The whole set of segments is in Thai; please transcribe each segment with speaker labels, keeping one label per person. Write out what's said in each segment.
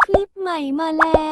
Speaker 1: คลิปใหม่มาแล้ว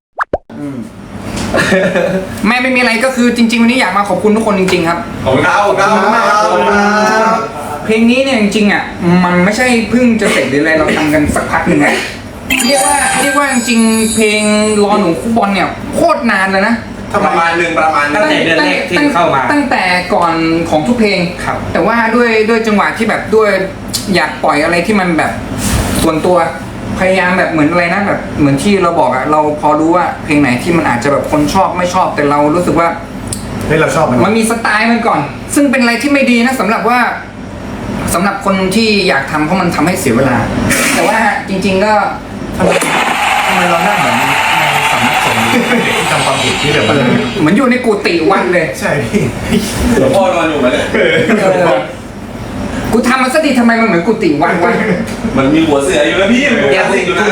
Speaker 2: ไม่มีอะไรก็คือจริงๆวันนี้อยากมาขอบคุณทุกคนจริงๆครับ
Speaker 3: ขอบคุณครับขอบคุณมากครับ
Speaker 2: เพลงนี้เนี่ยจริงๆอ่ะมันไม่ใช่เพิ่งจะเสร็จหรืออะไรเราทำกันสักพักหนึ่งแล้วเรียกว่าจริงๆเพลงรอหนูฟุตบอลเนี่ยโคตรนานเลยนะ
Speaker 3: ประมาณหนึ่ง
Speaker 4: ตั้งแต่เดือนแรกที่เข้ามา
Speaker 2: ตั้งแต่ก่อนของทุกเพลง
Speaker 4: ครับ
Speaker 2: แต่ว่าด้วยจังหวะที่แบบด้วยอยากปล่อยอะไรที่มันแบบส่วนตัวพยายามแบบเหมือนอะไรนะแบบเหมือนที่เราบอกอะเราพอรู้ว่าเพลงไหนที่มันอาจจะแบบคนชอบไม่ชอบแต่เรารู้สึกว่า
Speaker 3: เฮ้ยเราชอบมัน
Speaker 2: มันมีสไตล์มันก่อน ซึ่งเป็นอะไรที่ไม่ดีนะสำหรับคนที่อยากทำเพราะมันทำให้เสียเวลา แต่ว่าจริง ๆ ก็
Speaker 3: ทำไมเราหน้าเหมือนในสำนักสงฆ์ที่ทำความผิดที่แบบ
Speaker 2: เหมือนอยู่ในกุฏิวัดเลย
Speaker 3: ใช่พี่
Speaker 4: หลวงพ่อนอนอยู่ไหมเนี่ย
Speaker 2: กูทำมันซะดีทำไมมันเหมือนกุฏิวัดวะ
Speaker 4: มันมีหัวเสืออยู่นะพี่มันมีหัวเสืออยู่นะ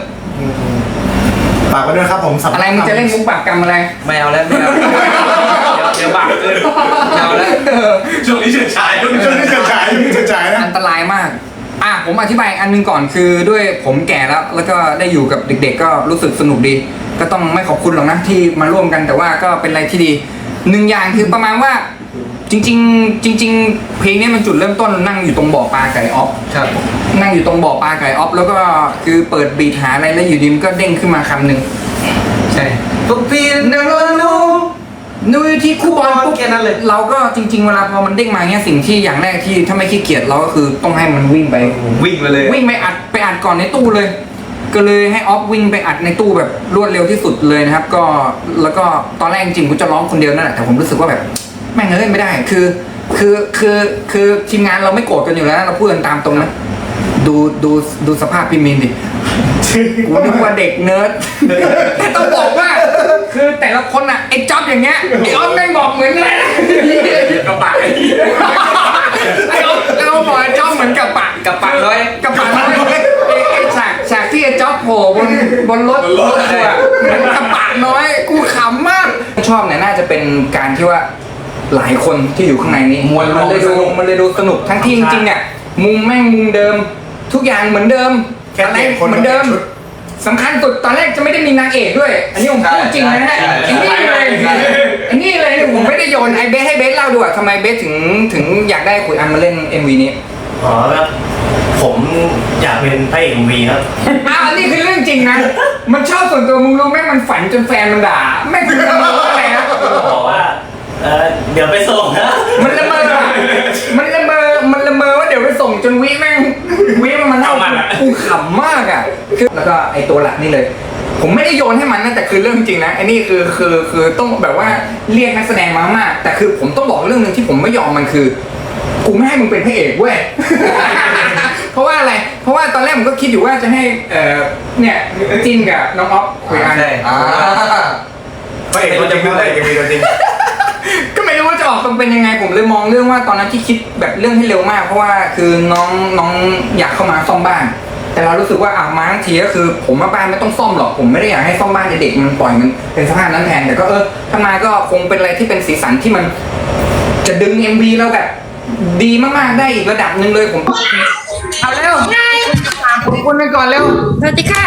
Speaker 3: ฝากไว้ด้วยครับผม
Speaker 2: อะไรมึงจะเล่นมุกปากกรรมอะไร
Speaker 4: ไม่เอาแล้วไม่เอาเดี๋ยวบาปเกินไม่เอาแล้วช่วงนี้เฉิดฉายช่วงนี้
Speaker 3: ช่วยเฉยนะ
Speaker 2: อันตรายมากผมอธิบายอันหนึงก่อนคือด้วยผมแก่แล้วก็ได้อยู่กับเด็กๆก็รู้สึกสนุกดี ก็ต้องไม่ขอบคุณหรอกนะที่มาร่วมกันแต่ว่าก็เป็นอะไรที่ดีหนึ่งอย่างคือประมาณว่าจริงเพลงนี้มันจุดเริ่มต้นนั่งอยู่ตรงบ่อปลาไก่ออฟ
Speaker 4: ครับ
Speaker 2: นั่งอยู่ตรงบ่อปลาไก่ออฟแล้วก็คือเปิดบีทหาอะไรแล้วอยู่ดีมันก็เด้งขึ้นมาคำหนึ่ง
Speaker 4: ใช่ปุ๊บพี่เดิน
Speaker 2: นูอยู่ที่คู่บอลปุ๊บ
Speaker 4: แค่นั้นเลย
Speaker 2: เราก็จริง ๆ เวลาพอมันเด้งมาเงี้ยสิ่งที่อย่างแรกที่ถ้าไม่ขี้เกียจเราก็คือต้องให้มันวิ่งไป
Speaker 4: วิ่งไปเลย
Speaker 2: วิ่งไปอัดก่อนในตู้เลย ก็เลยให้ออฟวิ่งไปอัดในตู้แบบรวดเร็วที่สุดเลยนะครับก็แล้วก็ตอนแรกจริงๆกูจะร้องคนเดียวนั่นแหละแต่ผมรู้สึกว่าแบบแม่งเอ้ยไม่ได้คือทีมงานเราไม่โกรธกันอยู่แล้วเราพูดกันตามตรงนะดูสภาพพี่มินดิกูนึกว่าเด็กเนิร์ดแต่ต้องบอกว่า คือแต่ละคนอ่ะไอ้จ๊อบอย่างเงี้ยไอ้ออฟแม่งบอกเหมือนอะไรนะ
Speaker 4: กระปะ
Speaker 2: ไอ้ออฟเราบอกไอ้จ๊อบเหมือนกับปะ
Speaker 4: กระปะร้อย
Speaker 2: กระปะน้อยไอ้ฉากที่ไอ้จ๊อบโผล่บนรถทัวร์เหมือนกระปะน้อยกูขำมากชอบเนี่ยน่าจะเป็นการที่ว่าหลายคนที่อยู่ข้างในนี้มันเลยดูสนุกทั้งที่จริงๆเนี่ยมุมแม่งมุมเดิม ทุกอย่างเหมือนเดิมอะไรเหมือนเดิมสำคัญสุดตอนแรกจะไม่ได้มีนางเอกด้วย อันนี้ผมพูดจริงนะฮะอันนี้เลยผมไม่ได้โยนไอเบสให้เบสเล่าดูอะทำไมเบสถึงอยากได้ขุยอันมาเล่น MV นี้
Speaker 5: อ๋อครับผมอยากเป็นพระเอกMVครับ
Speaker 2: อันนี้คือเรื่องจริงนะ มันชอบส่วนตัวมึงรู้ไหมมันฝันจนแฟนมันด่าแม่งคืออะไรนะ
Speaker 5: บอกว่าเดี๋ยวไปส่งนะ
Speaker 2: มันละเมอว่าเดี๋ยวไปส่งจนวิมันเล่ากูขำมากอ่ะคือแล้วก็ไอตัวหลักนี่เลย ผมไม่ได้โยนให้มันนะแต่คือเรื่องจริงนะไอ้นี่คือต้องแบบว่าเรียกนักแสดงมามากแต่คือผมต้องบอกเรื่องหนึ่งที่ผมไม่ยอมมันคือกูไม่ให้มึงเป็นพระเอกเว้ย เพราะว่าอะไร เพราะว่าตอนแรกผมก็คิดอยู่ว่าจะให้เนี่ยจินกับน้องอ๊อฟคุยกัน
Speaker 4: ใช่
Speaker 3: พระเอกตัวจริงนะพระเอกมีตัวจริง
Speaker 2: ก็ไม่รู้ว่าจะออกมาเป็นยังไงผมเลยมองเรื่องว่าตอนนั้นที่คิดแบบเรื่องให้เร็วมากเพราะว่าคือน้องอยากเข้ามาซ่อมบ้าน แต่เรารู้สึกว่ามาทั้งทีก็คือผมมาบ้านไม่ต้องซ่อมหรอกผมไม่ได้อยากให้ซ่อมบ้านเด็กมันปล่อยมันเป็นสภาพนั้นแทนแต่ก็ถ้ามาก็คงเป็นอะไรที่เป็นสีสันที่มันจะดึง MV เราแบบดีมากๆได้อีกระดับหนึ่งเลยผมเอาเร็วขอบคุณไปก่อนเร็ว
Speaker 1: สวัสดีค่ะ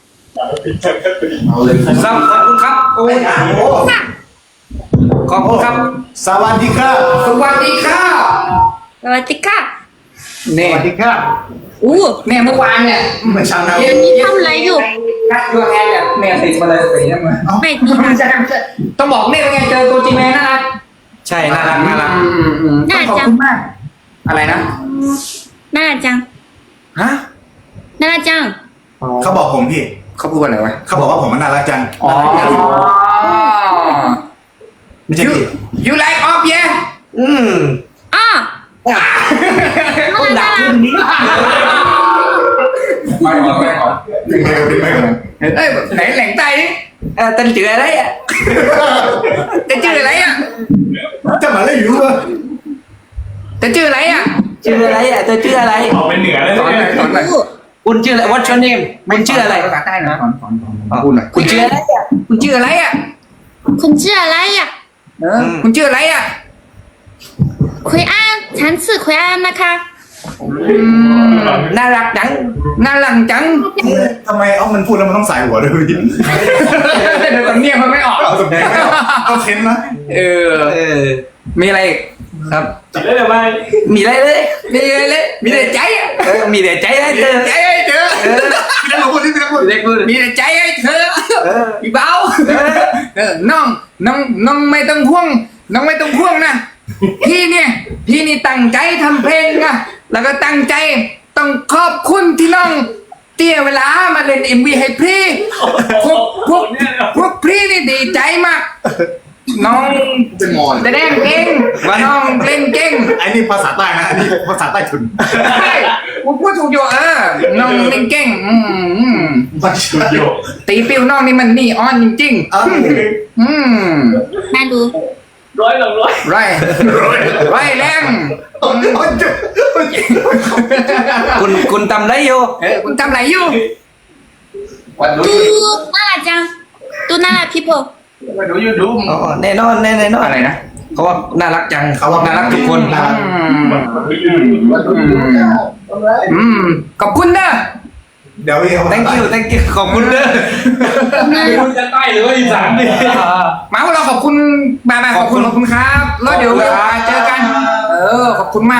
Speaker 3: เอาเลย
Speaker 4: ขอบคุณครับโอ้ยขอบคุณครับ
Speaker 3: สวัสดีครับ
Speaker 2: สวัสดีค่ะ
Speaker 1: สวัสดีค่ะ
Speaker 2: เนี่ย
Speaker 3: สวัสดีครับ
Speaker 1: อู้
Speaker 2: เนี่ยเมื่อวานเนี่ย
Speaker 3: เมื่อเช้านะ
Speaker 1: นี่ทำอะไรอยู่
Speaker 2: นัดยูแอนเนี่ยติดมาเลยสีน้ำเงิน
Speaker 1: ไม่ดีนะ
Speaker 2: ไม่ใช่ต้องบอกเนี่ยเป็นไงเจอตัวจริงเลยน่ารัก
Speaker 4: ใช่น่ารัก
Speaker 2: ต้องขอบคุณมากอะไรนะ
Speaker 1: น่ารักจัง
Speaker 2: ฮะ
Speaker 1: น่ารักจัง
Speaker 3: เขาบอกผมพี่
Speaker 2: เขาพูดว่าอะไรวะ
Speaker 3: เขาบอกว่าผมมันน่ารักจัง
Speaker 2: อ๋อ
Speaker 3: ไม่ใช่พี่
Speaker 2: you like off yeah
Speaker 1: อ้อน่ารัก
Speaker 2: ไม่ขอเอ้ยไหนแหล่งใต้นี่tên chữ ở đấy ạ tên chữ ở đấy ạ
Speaker 3: จะมาเล่นอยู่วะ
Speaker 2: tên chữ ở đấy ạ
Speaker 4: ชื่ออะไรอ่ะเธอชื่ออะไร
Speaker 3: ออกเป็นเหนือเลย
Speaker 2: สอนหน่อย
Speaker 4: คุณชื่ออะไร What's your name คุณชื่ออะไร
Speaker 2: ภาษาใต้หน่อยสอนพูดหน่อย
Speaker 4: คุณชื่ออะไรอ่ะ
Speaker 2: คุณชื่ออะไรอ่ะ
Speaker 1: คุณชื่ออะไรอ่ะ
Speaker 2: คุณชื่ออะไรอ่ะ
Speaker 1: คุยอันฉันชื่อคุยอันนะคะ
Speaker 2: น่ารักจังน่ารักจัง
Speaker 3: ทำไมมันพูดแล้วมันต้องสายหัวด้วยพี่
Speaker 2: เดี๋ยวสำเนียงมันไม่ออก
Speaker 3: เอาสำเนียงไม่ออกเอาเค้นนะ
Speaker 2: เออ มีอะไรอีกครับ
Speaker 4: จับได้เลยไหม
Speaker 2: มีอะไรเลยมีอะไรเลยมีแต่ใจอะมีแต่ใจให้เธอใจให้เธอ
Speaker 3: พี่นักพูดที่พี่นักพูด
Speaker 2: เด็กพูดมีแต่ใจให้เธอพี่เบาน้องไม่ต้องห่วงน้องไม่ต้องห่วงนะพี่นี่ตั้งใจทำเพลงนะแล้วก็ตั้งใจต้องขอบคุณที่น้องเตี้ยเวลามาเล่น MV ให้พี่พวกพี่นี่ดีใจมากน้อง
Speaker 3: เป็นมอน
Speaker 2: แสดงเก่งว่าน้องเล่นเก่ง
Speaker 3: ไอ้นี่ภาษาใต้นะอันนี้ภาษาใต้ทุน
Speaker 2: ใช่ผมพูดถูกอยู่น้องเล่นเก่ง
Speaker 3: ภาษาโย
Speaker 2: ตีปิ้วน้องนี่มันนี่ออนจริงๆ
Speaker 1: มาดู
Speaker 4: ร้อยหลังร้อย
Speaker 2: ไรแรง
Speaker 5: คุณทำไรอยู่
Speaker 2: คุณทำอะไรอยู่
Speaker 4: วันรู้
Speaker 1: ดูน่ารักจังดูน่ารัก people
Speaker 4: วันรู้ยูทูบ
Speaker 5: อ๋อแน่นอนแน่นอน
Speaker 2: อะไรนะ
Speaker 5: เขาว่าน่ารักจัง
Speaker 3: เขาว่า
Speaker 5: น่ารักทุกคน
Speaker 3: น่ารัก
Speaker 2: ขอบคุณนะ
Speaker 3: เดี๋ยวพี่เขา
Speaker 5: thank you ขอบคุณเด้อ
Speaker 4: ไม่รู้จะใต้หรือว่าอีสานเนี่ย
Speaker 2: มาเราขอบคุณมาขอบคุณครับแล้วเดี๋ยวเจอกันขอบคุณมาก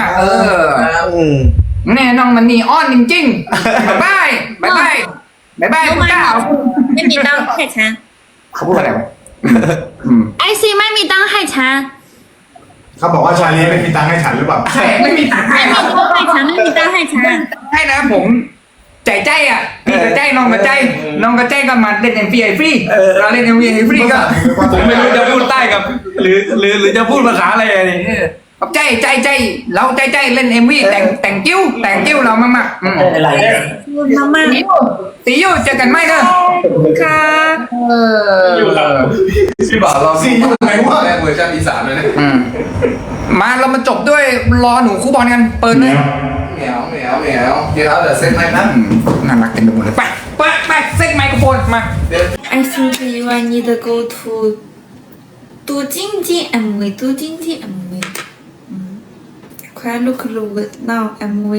Speaker 2: เนี่ยน้องมันนี่อ้อนจริงๆบายคุณเจ้า
Speaker 1: ไม่มีตังค์ให้ฉัน
Speaker 2: เขาพูดอะไรวะ
Speaker 1: ไอซีไม่มีตังค์ให้ฉัน
Speaker 3: เขาบอกว่าชาลีไม่มีตังค์ให้ฉันหรือเปล่า
Speaker 2: ใช่ไม่มีตังค์ให้
Speaker 1: ไม่มีตังค์ให้ฉันไม่มีตังค์ให้ฉัน
Speaker 2: ให้นะผมใจอ่ะพี่กับใจน้องกับใจน้องกับใจก็มาเล่น MV ฟรีเราเล่น MV ฟรีก็
Speaker 5: ผมไม่รู้จะพูดใต้กับ หรือจะพูดภาษาอะไรนี่
Speaker 2: กับใจเราใจเล่น MV แต่งกิ้วเรามาก
Speaker 5: อะไร
Speaker 1: มาม่า
Speaker 2: ตีอยู่เจอกันไหมเด้อ
Speaker 1: ค่ะ
Speaker 4: อยู่ครับ
Speaker 3: พี่บ่าวเราสี่อยู่ไหนวะ
Speaker 4: เวอร์ชันอีสานเลยนะ
Speaker 2: มาเรามาจบด้วยรอหนูคู่บอลกันเปิดเลย
Speaker 4: เหนียวเดี๋ยวเซ็ตไหมนะ
Speaker 2: น่ารักเต็มไปหมดเลยไปเซ็ตไมโครโฟนมา
Speaker 1: I think you need to go to 杜晶晶 MV 杜晶晶 MV 快 look now MV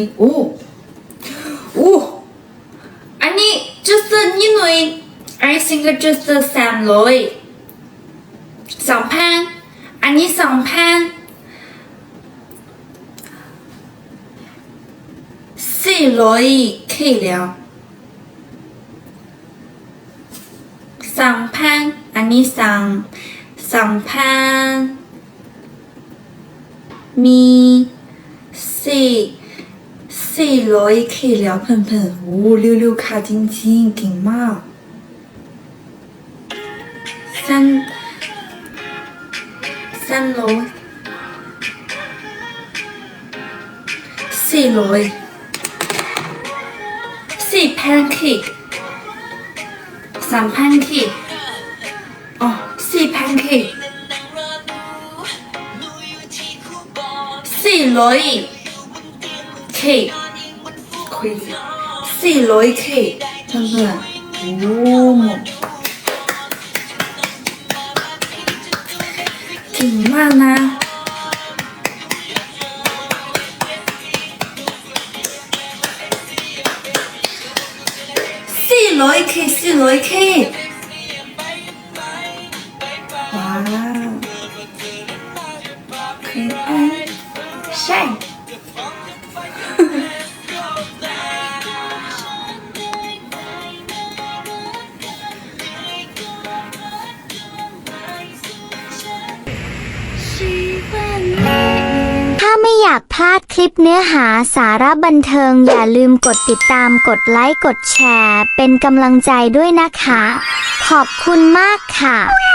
Speaker 1: อันนี้ just นิดหน่อย I think just 2,000อันนี้2,000 400K แล้ว2,000อันนี้2,000มี400K แล้วเพื่อนๆโอ้เร็วๆค่ะจริงๆเก่งมาก4,000K 3,000K อ๋อ 4,000K 400K crazy 400K เพื่อนๆโอ้เก่งมากนะ400K ว้าว可爱晒
Speaker 6: ถ้าไม่อยากพลาดคลิปเนื้อหาสาระบันเทิงอย่าลืมกดติดตามกดไลค์กดแชร์เป็นกำลังใจด้วยนะคะ ขอบคุณมากค่ะ